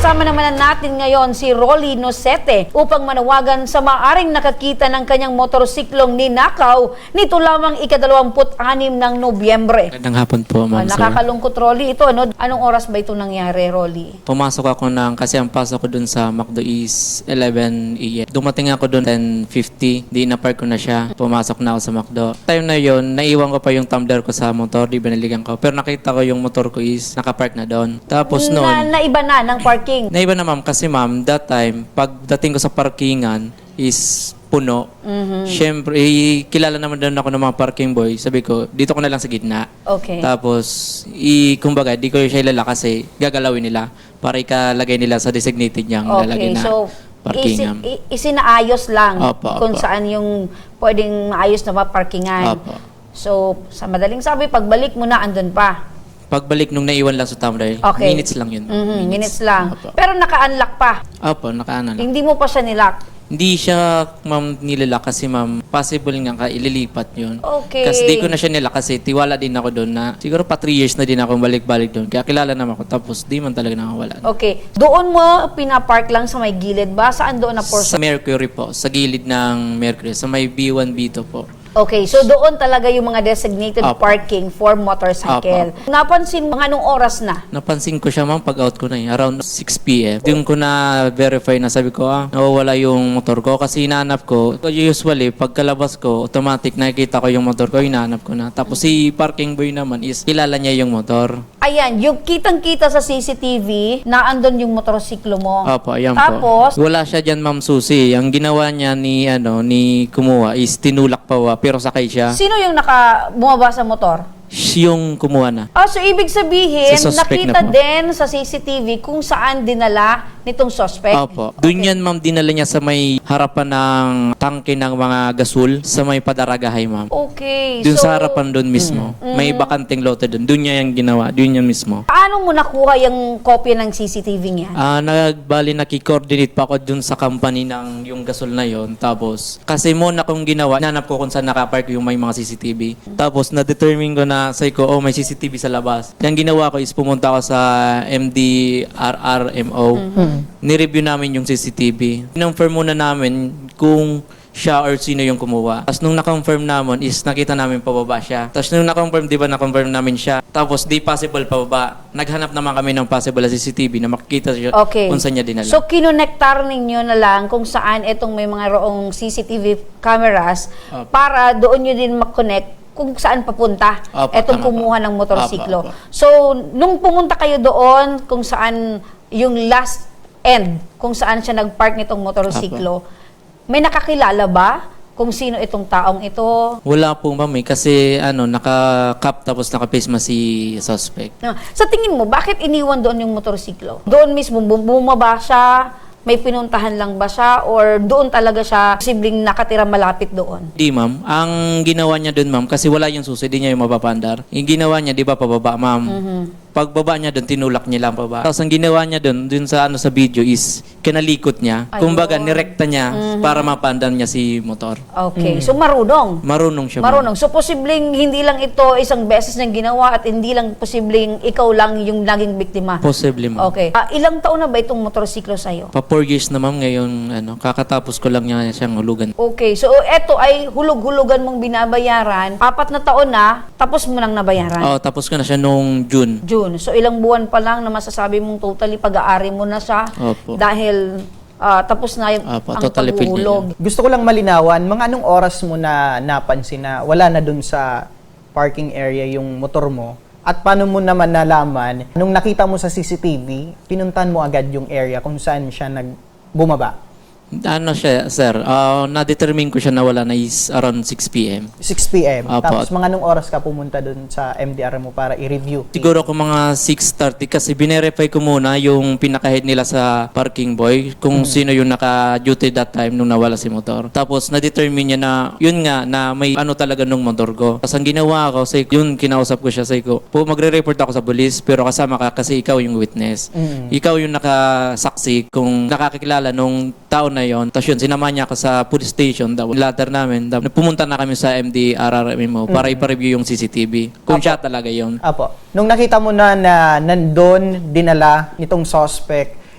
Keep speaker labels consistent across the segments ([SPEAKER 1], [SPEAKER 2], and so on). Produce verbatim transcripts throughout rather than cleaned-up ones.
[SPEAKER 1] Kasama naman natin ngayon si Rolly Nosete upang manawagan sa maaring nakakita ng kanyang motorsiklong ninakaw nito lamang ikadalawamput-anim ng Nobyembre.
[SPEAKER 2] Magandang hapon po,
[SPEAKER 1] Ah,
[SPEAKER 2] ma'am, sir.
[SPEAKER 1] nakakalungkot, Rolly. Ito, ano, anong oras ba ito nangyari, Rolly?
[SPEAKER 2] Pumasok ako ng, kasi ang pasok ko dun sa McDo is eleven a m Dumating ako dun ten fifty, di na-park ko na siya. Pumasok na ako sa McDo. Time na yon, naiwan ko pa yung tumbler ko sa motor, di binaligan ko. Pero nakita ko yung motor ko is nakapark na doon. Tapos
[SPEAKER 1] Na,
[SPEAKER 2] noon,
[SPEAKER 1] naiba na ng parking.
[SPEAKER 2] naiba na ma'am, kasi ma'am, that time, pagdating ko sa parkingan is puno.
[SPEAKER 1] Mhm.
[SPEAKER 2] Siyempre, eh, kilala naman doon ako ng mga parking boy. Sabi ko, dito ko na lang sa gitna.
[SPEAKER 1] Okay.
[SPEAKER 2] Tapos, i, kumbaga, di ko siya ilala kasi gagalawin nila para ikalagay nila sa designated niyang lalagay
[SPEAKER 1] Okay,
[SPEAKER 2] na
[SPEAKER 1] so
[SPEAKER 2] parkingan.
[SPEAKER 1] isi, i- isinaayos lang
[SPEAKER 2] Opo,
[SPEAKER 1] kung
[SPEAKER 2] opo.
[SPEAKER 1] saan yung pwedeng maayos na maparkingan.
[SPEAKER 2] Opo.
[SPEAKER 1] So, sa madaling sabi, pagbalik mo na, andun pa.
[SPEAKER 2] Pagbalik nung naiwan lang sa tumbler,
[SPEAKER 1] Okay.
[SPEAKER 2] minutes lang yun.
[SPEAKER 1] Mhm, minutes lang.
[SPEAKER 2] Opo.
[SPEAKER 1] Pero naka-unlock pa.
[SPEAKER 2] Opo, nakaana lang.
[SPEAKER 1] Hindi mo pa siya nilock.
[SPEAKER 2] Hindi siya, ma'am, nilala kasi, ma'am, possible nga ka ililipat yun.
[SPEAKER 1] Okay.
[SPEAKER 2] Kasi di ko na siya nila kasi tiwala din ako doon na siguro pa three years na din ako balik-balik doon. Kaya kilala naman ako. Tapos di man talaga nakawala.
[SPEAKER 1] Okay. Doon mo pinapark lang sa may gilid ba? Saan doon na
[SPEAKER 2] Sa
[SPEAKER 1] portion?
[SPEAKER 2] Mercury po, sa gilid ng Mercury, sa may B one B two po.
[SPEAKER 1] Okay. So doon talaga yung mga designated
[SPEAKER 2] Opo.
[SPEAKER 1] parking for motorcycle. Napansin mo, anong oras na?
[SPEAKER 2] Napansin ko siya, ma'am, pag out ko na eh, around six p m Doon ko na verify na sabi ko, ah, nawawala yung motor ko kasi hinahanap ko. Usually, pagkalabas ko, automatic nakikita ko yung motor ko, hinahanap ko na. Tapos si parking boy naman is kilala niya yung motor.
[SPEAKER 1] Ayan, yung kitang-kita sa C C T V na andun yung motorsiklo mo.
[SPEAKER 2] Opo, ayan
[SPEAKER 1] Tapos,
[SPEAKER 2] po. Wala siya dyan, ma'am Susi. Ang ginawa niya ni, ano, ni kumuha is tinulak pa wa, pero sakay siya.
[SPEAKER 1] sino yung naka bumaba sa motor?
[SPEAKER 2] Siya yung kumuha na.
[SPEAKER 1] Ah, so ibig sabihin,
[SPEAKER 2] Sa suspect
[SPEAKER 1] nakita
[SPEAKER 2] na po.
[SPEAKER 1] din sa C C T V kung saan dinala nitong suspect.
[SPEAKER 2] Opo. Doon yan, ma'am, dinala niya sa may harapan ng tangke ng mga gasol sa may Padaragahay, ma'am.
[SPEAKER 1] Okay.
[SPEAKER 2] Doon
[SPEAKER 1] so,
[SPEAKER 2] sa harapan doon mismo. May bakanting lote doon. Doon niya yung ginawa. Doon yan mismo.
[SPEAKER 1] paano mo nakuha yung kopya ng C C T V niya?
[SPEAKER 2] Ah, nagbali naki-coordinate pa ako doon sa company ng yung gasol na yon. Tapos, kasi muna kong ginawa, nanap ko kung saan nakapark yung may mga C C T V. Tapos, na-determine ko na, say ko, oh, may C C T V sa labas. Yung ginawa ko is pumunta ako sa M D R R M O. Ni-review namin yung C C T V. Confirm muna namin kung siya or sino yung kumuha. Tapos nung na-confirm namin is nakita namin pababa siya. Tapos nung na-confirm, di ba na-confirm namin siya. Tapos di possible pababa. Naghanap naman kami ng possible na C C T V na makikita siya
[SPEAKER 1] Okay.
[SPEAKER 2] kung saan niya dinala.
[SPEAKER 1] So, kinonektar ninyo na lang kung saan itong may mga roong C C T V cameras
[SPEAKER 2] Opo.
[SPEAKER 1] para doon nyo din makonect kung saan papunta
[SPEAKER 2] Opo,
[SPEAKER 1] etong
[SPEAKER 2] tama po.
[SPEAKER 1] kumuha ng motorsiklo.
[SPEAKER 2] Opo, opo.
[SPEAKER 1] So, nung pumunta kayo doon kung saan yung last end, kung saan siya nagpark nitong motorsiklo, may nakakilala ba kung sino itong taong ito?
[SPEAKER 2] Wala po, ma'am, eh, kasi ano, naka-cap tapos naka-face mask si suspect.
[SPEAKER 1] No. Sa tingin mo, bakit iniwan doon yung motorsiklo? Doon mismo, bum- bumaba siya, may pinuntahan lang ba siya, or doon talaga siya posibleng nakatira malapit doon?
[SPEAKER 2] Di, ma'am. Ang ginawa niya doon, ma'am, kasi wala yung susi, di niya yung mapapandar. Yung ginawa niya, di ba, pababa, ma'am. Pagbaba niya doon, tinulak niya lang pababa. Tapos ang ginawa niya doon, doon sa ano sa video is, kinalikot niya.
[SPEAKER 1] Ayun.
[SPEAKER 2] Kumbaga, nirekta niya para mapandar niya si motor.
[SPEAKER 1] Okay, so marunong.
[SPEAKER 2] Marunong siya, ma'am.
[SPEAKER 1] Marunong. So, posibleng hindi lang ito isang beses niyang ginawa at hindi lang posibleng ikaw lang yung naging biktima.
[SPEAKER 2] Possibly, ma'am.
[SPEAKER 1] Okay. Ah, ilang taon na ba itong motorsiklo sa'yo?
[SPEAKER 2] Pa four years na, ma'am, ngayon, ano, kakatapos ko lang niya siyang hulugan.
[SPEAKER 1] Okay, so eto ay hulog-hulugan mong binabayaran. Apat na taon na, tapos mo nang nabayaran.
[SPEAKER 2] Oh, tapos ko na siya nung June.
[SPEAKER 1] June. So, ilang buwan pa lang na masasabi mong totally pag-aari mo na siya.
[SPEAKER 2] Opo.
[SPEAKER 1] Dahil ah, tapos na yung
[SPEAKER 2] Opo,
[SPEAKER 1] ang
[SPEAKER 2] totally paid niya
[SPEAKER 1] paghuhulog.
[SPEAKER 3] Gusto ko lang malinawan, mga anong oras mo na napansin na wala na dun sa parking area yung motor mo? At paano mo naman nalaman, nung nakita mo sa C C T V, pinuntan mo agad yung area kung saan siya nagbumaba?
[SPEAKER 2] Ano siya, sir, uh, na-determine ko siya na wala na is around six p m
[SPEAKER 3] six p m
[SPEAKER 2] Apo.
[SPEAKER 3] Tapos mga anong oras ka pumunta dun sa M D R mo para i-review?
[SPEAKER 2] Siguro ko mga six thirty kasi binerify ko muna yung pinaka-head nila sa parking boy kung sino yung naka-duty that time nung nawala si motor. Tapos na-determine niya na yun nga na may ano talaga nung motor ko. Tapos ang ginawa ko, say, yun kinausap ko siya, say ko, po magre-report ako sa police pero kasama ka kasi ikaw yung witness.
[SPEAKER 3] Mm.
[SPEAKER 2] Ikaw yung nakasaksi kung nakakakilala nung tao na yon. Tapos yun, sinama niya ako sa police station. Daw, later namin, daw, pumunta na kami sa M D R R M O para ipa-review yung C C T V. Kung
[SPEAKER 3] Apo.
[SPEAKER 2] siya talaga yon.
[SPEAKER 3] Apo. Nung nakita mo na na nandun, dinala nitong suspect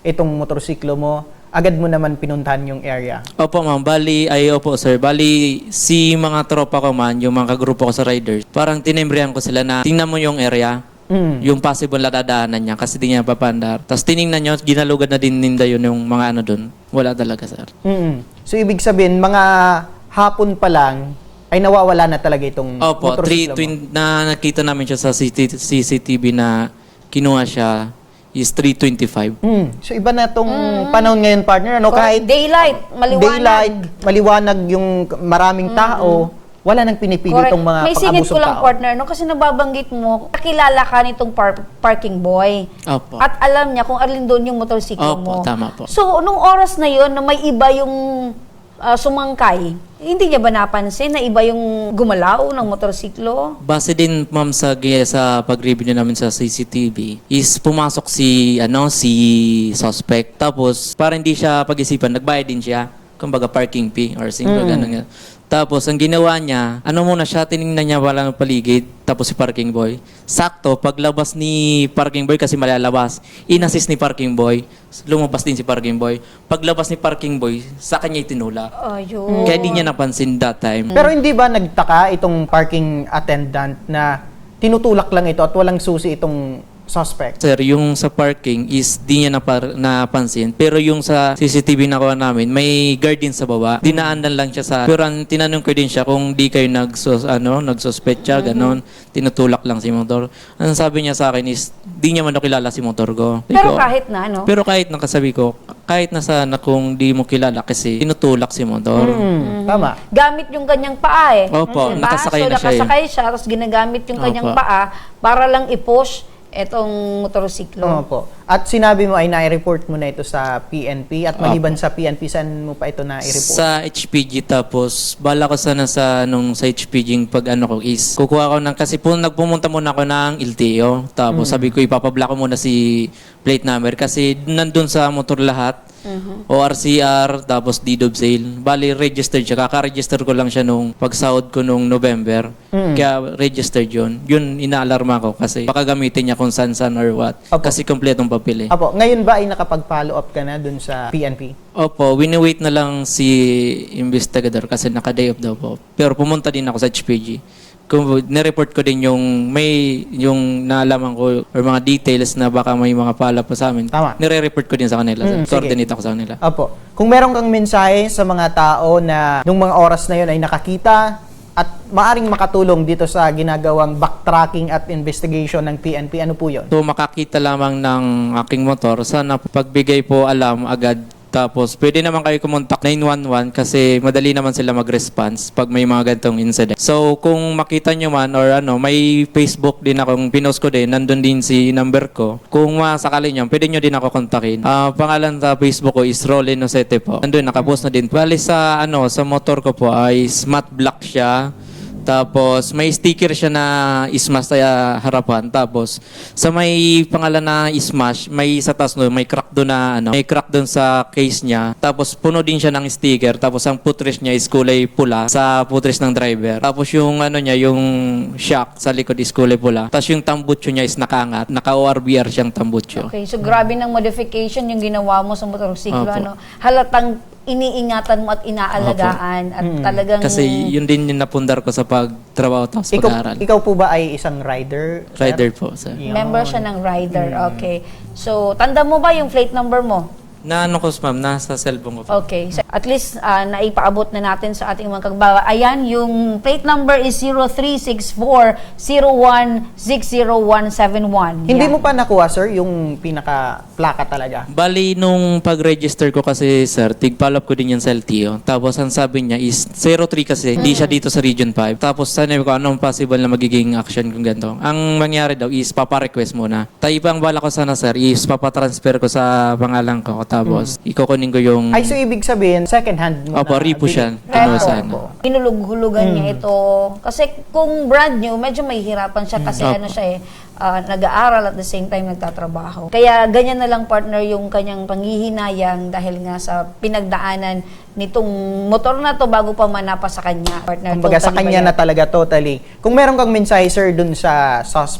[SPEAKER 3] itong motorsiklo mo, agad mo naman pinuntahan yung area.
[SPEAKER 2] Opo ma'am, bali, ay opo sir, bali si mga tropa ko man, yung mga kagrupo ko sa riders, parang tinembrihan ko sila na tingnan mo yung area,
[SPEAKER 3] Mm.
[SPEAKER 2] yung possible na dadaanan niya kasi di niya papandar. Tapos tiningnan nyo, ginalugad na din ninda yun yung mga ano dun. Wala talaga sir.
[SPEAKER 3] Mm. So, ibig sabihin, mga hapon pa lang, ay nawawala na talaga itong
[SPEAKER 2] Opo, three,
[SPEAKER 3] motorsiklo mo.
[SPEAKER 2] twin, na nakita namin siya sa C C T V na kinuha siya is three twenty-five.
[SPEAKER 3] Mm. So, iba na itong panahon ngayon, partner. Ano,
[SPEAKER 1] Or
[SPEAKER 3] kahit
[SPEAKER 1] daylight, maliwanag.
[SPEAKER 3] daylight, maliwanag yung maraming tao, wala nang pinipili
[SPEAKER 1] Correct.
[SPEAKER 3] itong mga
[SPEAKER 1] May singit ko
[SPEAKER 3] pang-abusong
[SPEAKER 1] lang,
[SPEAKER 3] tao.
[SPEAKER 1] partner, no? Kasi nababanggit mo, nakilala ka nitong par- parking boy.
[SPEAKER 2] Opo.
[SPEAKER 1] At alam niya kung alin doon yung motorsiklo mo.
[SPEAKER 2] Opo, tama po.
[SPEAKER 1] So, nung oras na yun, na may iba yung ah, sumangkay, hindi niya ba napansin na iba yung gumalaw ng motorsiklo?
[SPEAKER 2] Base din ma'am sa sa pag-review namin sa C C T V is pumasok si ano si suspect tapos para hindi siya pag-isipan nagbayad din siya kumbaga parking fee or single ganun nga. Tapos ang ginawa niya, ano muna siya tiningnan niya wala ng paligid tapos si parking boy. Sakto paglabas ni parking boy kasi malalabas, inassist ni parking boy, lumabas din si parking boy. Paglabas ni parking boy, sa kanya itinulak.
[SPEAKER 1] Ayun.
[SPEAKER 2] Kaya di niya napansin that time.
[SPEAKER 3] Pero hindi ba nagtaka itong parking attendant na tinutulak lang ito at walang susi itong suspect?
[SPEAKER 2] Sir, yung sa parking is di niya napar- napansin. Pero yung sa C C T V na kuha namin, may guard din sa baba. Dinaanan lang siya sa... Pero ang tinanong ko din siya kung di kayo nagsos, ano, nagsuspect siya, ganon. Tinutulak lang si motor. Ang sabi niya sa akin is, di niya man daw kilala si motor ko. Sabi
[SPEAKER 1] Pero
[SPEAKER 2] ko,
[SPEAKER 1] kahit na, no?
[SPEAKER 2] Pero kahit nakasabi ko, kahit na sana kung di mo kilala kasi tinutulak si motor.
[SPEAKER 3] Mm, tama.
[SPEAKER 1] Gamit yung kanyang paa eh.
[SPEAKER 2] Opo,
[SPEAKER 1] Diba?
[SPEAKER 2] nakasakay
[SPEAKER 1] so,
[SPEAKER 2] na siya eh.
[SPEAKER 1] nakasakay siya, tapos ginagamit yung kanyang
[SPEAKER 2] Opo.
[SPEAKER 1] paa para lang i-push etong motorsiklo.
[SPEAKER 3] Oo po. At sinabi mo ay na-report mo na ito sa P N P at maliban sa P N P, saan mo pa ito na-report?
[SPEAKER 2] Sa H P G tapos bala ko sana sa nung sa H P G yung pag ano ko is kukuha ko ng kasi po nagpumunta muna ako ng L T O tapos sabi ko ipapablock ko muna si plate number kasi nandun sa motor lahat O R C R tapos deed of sale bali registered siya kaka-register ko lang siya nung pagsahod ko nung November kaya registered yun yun inaalarma ko kasi baka gamitin niya kung san san or what
[SPEAKER 3] Opo.
[SPEAKER 2] kasi kompletong papel eh.
[SPEAKER 3] Apo, ngayon ba ay nakapag-follow up ka na dun sa P N P?
[SPEAKER 2] Opo, wini-wait na lang si investigador kasi naka-day off daw po. Pero pumunta din ako sa H P G. Kung nireport ko din yung may yung naalaman ko or mga details na baka may mga pala pa sa amin.
[SPEAKER 3] Tama.
[SPEAKER 2] Nire-report ko din sa kanila.
[SPEAKER 3] Mm,
[SPEAKER 2] Mm, Coordinate
[SPEAKER 3] sige.
[SPEAKER 2] ako sa kanila.
[SPEAKER 3] Apo, kung meron kang mensahe sa mga tao na nung mga oras na yun ay nakakita at maaring makatulong dito sa ginagawang backtracking at investigation ng P N P, ano po yun?
[SPEAKER 2] So makakita lamang ng aking motor, sana pagbigay po alam agad. Tapos pwede naman kayo kumontak nine one one kasi madali naman sila mag-response pag may mga ganitong incident. So kung makita nyo man or ano, may Facebook din akong pinost ko din, nandun din si number ko. Kung masakali nyo, pwede nyo din ako kontakin. Ah, pangalan sa Facebook ko is Rolly Nosete po. Nandun, nakapost na din. Bali sa ano, sa motor ko po ay matte black siya. Tapos may sticker siya na Smash sa harapan. Tapos sa may pangalan na Smash, may sa taas no, may crack doon na ano, may crack doon sa case niya. Tapos puno din siya ng sticker. Tapos ang footrest niya is kulay pula sa footrest ng driver. Tapos yung ano niya, yung shock sa likod is kulay pula. Tapos yung tambutso niya is nakaangat. Naka-O R B R siyang tambutso.
[SPEAKER 1] Okay, so grabe ng modification yung ginawa mo sa motorsiklo.
[SPEAKER 2] Opo.
[SPEAKER 1] Ano? Halatang iniingatan mo at inaalagaan at talagang...
[SPEAKER 2] Kasi yun din yung napundar ko sa pagtrabaho tapos
[SPEAKER 3] Ikaw,
[SPEAKER 2] pag-aaral.
[SPEAKER 3] ikaw po ba ay isang rider? sir?
[SPEAKER 2] Rider po, sir.
[SPEAKER 3] Yun.
[SPEAKER 1] member siya ng rider. Okay. So, tanda mo ba yung plate number mo?
[SPEAKER 2] Na ano ko, ma'am, nasa cellphone ko po.
[SPEAKER 1] Okay. So, at least ah, naipaabot na natin sa ating mga kagbawa. Ayan, yung plate number is zero three six four zero one six zero one seven one.
[SPEAKER 3] Hindi mo pa nakuha, sir, yung pinaka-plaka talaga?
[SPEAKER 2] Bali, nung pag-register ko kasi, sir, tig-follow up ko din yan sa L T O. Tapos, ang sabi niya is zero three kasi, di siya dito sa Region five. Tapos, sabi ko, anong possible na magiging action kung ganito. Ang mangyari daw is, papa-request muna. Tayo ang bala ko sana, sir, is papatransfer ko sa pangalan ko. Tapos, ikukunin ko yung...
[SPEAKER 3] Ay, so ibig sabihin, second hand mo
[SPEAKER 2] Opo,
[SPEAKER 3] na.
[SPEAKER 2] repo siya.
[SPEAKER 3] bili-
[SPEAKER 2] Kinuha
[SPEAKER 1] Repo.
[SPEAKER 2] sa ano.
[SPEAKER 1] Hinulug-hulugan
[SPEAKER 3] Hmm.
[SPEAKER 1] niya ito. Kasi kung brand new, medyo mahihirapan siya kasi
[SPEAKER 2] Opo.
[SPEAKER 1] ano siya eh, ah, nag-aaral at the same time nagtatrabaho. Kaya ganyan na lang partner yung kanyang panghihinayang dahil nga sa pinagdaanan nitong motor na to bago pa manapa sa kanya. Partner,
[SPEAKER 3] Kumbaga sa
[SPEAKER 1] totally
[SPEAKER 3] kanya
[SPEAKER 1] ba
[SPEAKER 3] na
[SPEAKER 1] yan?
[SPEAKER 3] talaga totally. Kung meron kang mensahe, sir, dun sa suspect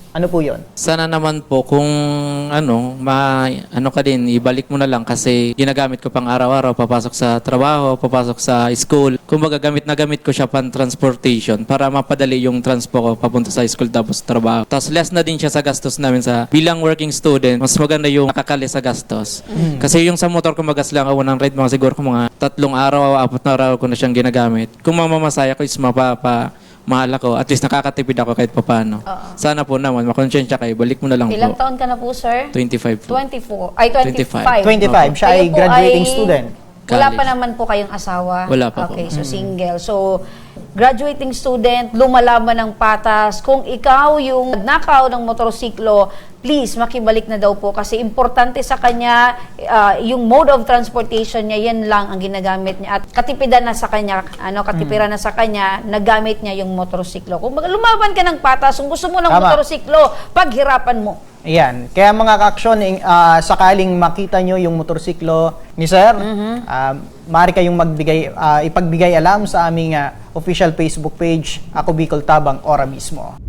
[SPEAKER 3] Ano po yun?
[SPEAKER 2] Sana naman po kung ano, ma, ano ka din, ibalik mo na lang kasi ginagamit ko pang araw-araw, papasok sa trabaho, papasok sa school. Kumbaga gamit na gamit ko siya pang transportation para mapadali yung transpo ko papunta sa school tapos trabaho. Tapos less na din siya sa gastos namin sa bilang working student, mas maganda yung nakakali sa gastos. Kasi yung sa motor ko magas lang ako ng ride, mga siguro ko mga tatlong araw, apat na araw ko na siyang ginagamit. Kung mamamasaya ko is mapapa mahal ako, at least nakakatipid ako kahit papano. Sana po naman, makonsensya kayo, balik mo na lang
[SPEAKER 1] Ilang
[SPEAKER 2] po.
[SPEAKER 1] taon ka na po, sir?
[SPEAKER 2] twenty-five po.
[SPEAKER 1] twenty-four. Ay, twenty-five.
[SPEAKER 3] twenty-five. Siya ay
[SPEAKER 1] Kayo po
[SPEAKER 3] graduating
[SPEAKER 1] ay-
[SPEAKER 3] student.
[SPEAKER 1] Wala
[SPEAKER 2] College.
[SPEAKER 1] pa naman po kayong asawa?
[SPEAKER 2] Wala pa po.
[SPEAKER 1] Okay, so single. So, graduating student, lumalaban ng patas. Kung ikaw yung nakaw ng motorsiklo, please, makibalik na daw po kasi importante sa kanya, ah, yung mode of transportation niya, yan lang ang ginagamit niya. At katipidan na sa kanya, ano, katipiran na sa kanya, nagamit niya yung motorsiklo. Kung mag- lumaban ka ng patas, kung gusto mo ng
[SPEAKER 3] Tama.
[SPEAKER 1] motorsiklo, paghirapan mo.
[SPEAKER 3] Ayan. Kaya mga ka-aksyon, eh, ah, sakaling makita nyo yung motorsiklo ni Sir, ah, maaari kayong magbigay, ah, ipagbigay alam sa aming ah, official Facebook page, Ako Bicol Tabang, ora mismo.